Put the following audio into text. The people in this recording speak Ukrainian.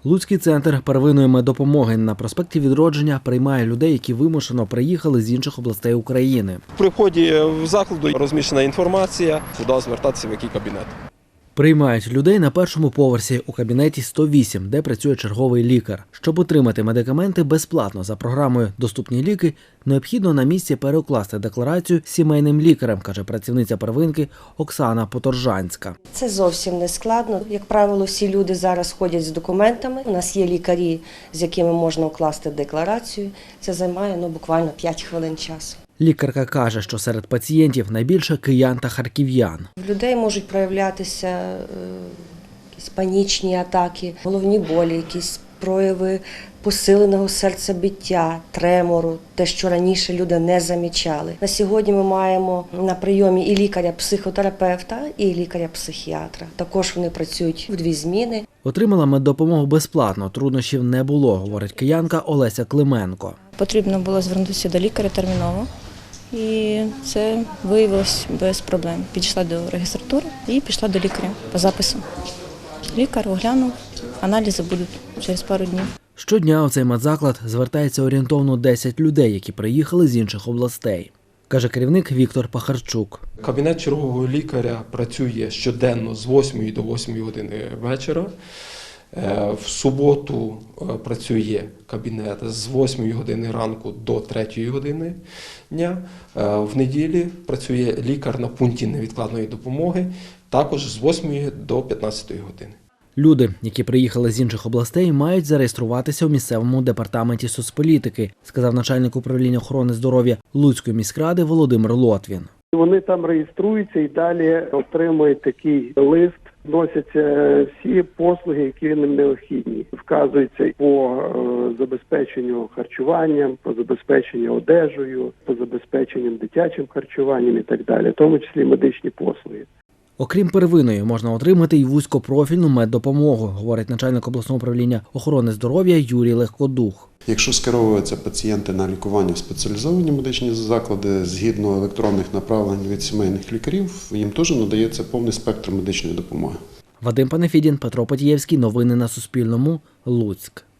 Луцький центр первинної меддопомоги на проспекті Відродження приймає людей, які вимушено приїхали з інших областей України. При вході в закладу розміщена інформація, куди звертатися, в який кабінет. Приймають людей на першому поверсі у кабінеті 108, де працює черговий лікар. Щоб отримати медикаменти безплатно за програмою «Доступні ліки», необхідно на місці перекласти декларацію сімейним лікарем, каже працівниця первинки Оксана Поторжанська. Це зовсім не складно. Як правило, всі люди зараз ходять з документами. У нас є лікарі, з якими можна укласти декларацію. Це займає буквально 5 хвилин часу. Лікарка каже, що серед пацієнтів найбільше киян та харків'ян. В людей можуть проявлятися якісь панічні атаки, головні болі, якісь прояви посиленого серцебиття, тремору, те, що раніше люди не замічали. На сьогодні ми маємо на прийомі і лікаря-психотерапевта, і лікаря-психіатра. Також вони працюють в 2 зміни. Отримала меддопомогу безплатно, труднощів не було, говорить киянка Олеся Клименко. Потрібно було звернутися до лікаря терміново, і це виявилось без проблем. Підійшла до реєстратури і пішла до лікаря по запису. Лікар оглянув, аналізи будуть через пару днів. Щодня у цей медзаклад звертається орієнтовно 10 людей, які приїхали з інших областей, каже керівник Віктор Пахарчук. Кабінет чергового лікаря працює щоденно з 8 до 8 години вечора. В суботу працює кабінет з 8 години ранку до 3 години дня. В неділі працює лікар на пункті невідкладної допомоги, також з 8 до 15 години. Люди, які приїхали з інших областей, мають зареєструватися у місцевому департаменті соцполітики, сказав начальник управління охорони здоров'я Луцької міськради Володимир Лотвін. Вони там реєструються і далі отримують такий лист. Вносяться всі послуги, які їм необхідні. Вказуються по забезпеченню харчуванням, по забезпеченню одежею, по забезпеченню дитячим харчуванням і так далі, в тому числі медичні послуги. Окрім первинної, можна отримати й вузькопрофільну меддопомогу, говорить начальник обласного управління охорони здоров'я Юрій Легкодух. Якщо скеровуються пацієнти на лікування в спеціалізовані медичні заклади, згідно електронних направлень від сімейних лікарів, їм теж надається повний спектр медичної допомоги. Вадим Панефідін, Петро Потієвський. Новини на Суспільному. Луцьк.